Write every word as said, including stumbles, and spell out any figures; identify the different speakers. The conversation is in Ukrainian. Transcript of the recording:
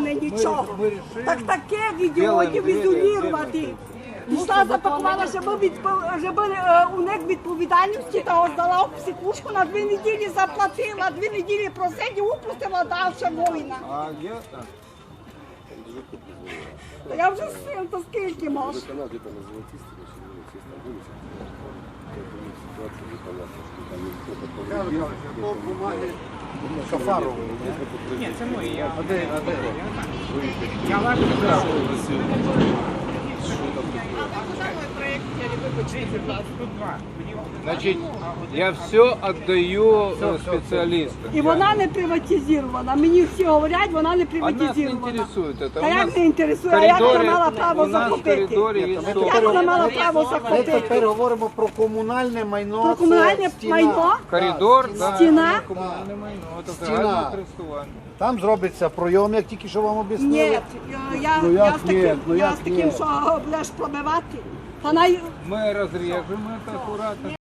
Speaker 1: мене нічого. Так таких ідіотів ізолювати. Пішла, запакувала, щоб, відпов... щоб е, уник відповідальності та здала в психушку, на дві неділі заплатила, дві неділі просидів, упустила далі воїна.
Speaker 2: А я...
Speaker 1: Та я вже сил, то скільки можу.
Speaker 3: Шафарову.
Speaker 4: Ні, це мої. Я...
Speaker 3: А де, а де?
Speaker 4: Я лажу брав. Тут два.
Speaker 2: Значит, я все отдаю э, специалистам.
Speaker 1: І вона не приватизована. Мені всі говорять, вона не
Speaker 2: А нас не
Speaker 1: приватизована.
Speaker 2: интересует это.
Speaker 1: Та
Speaker 2: У
Speaker 1: як
Speaker 2: нас
Speaker 1: не інтересує,
Speaker 2: в
Speaker 1: а як вона
Speaker 2: коридорі-
Speaker 1: мала право
Speaker 2: у нас в
Speaker 1: захопити?
Speaker 2: коридорі є
Speaker 3: Ми
Speaker 2: стол.
Speaker 1: Як вона мала право
Speaker 3: Ми тепер
Speaker 1: захопити?
Speaker 3: говоримо про комунальне майно.
Speaker 1: Про
Speaker 3: це
Speaker 1: комунальне
Speaker 3: стіна.
Speaker 1: майно?
Speaker 2: Коридор, да,
Speaker 1: Стіна?
Speaker 2: це комунальне майно, це
Speaker 3: Стіна.
Speaker 2: загальне користування.
Speaker 3: Там зробиться пройом, як тільки що вам об'яснили.
Speaker 1: Ні, я, я,
Speaker 3: Ну,
Speaker 1: я
Speaker 3: як
Speaker 1: з таким,
Speaker 3: ні? Ну,
Speaker 1: я
Speaker 3: як
Speaker 1: з таким,
Speaker 3: ні?
Speaker 1: що будеш пробивати. Та най...
Speaker 2: Ми розріжемо це акуратно.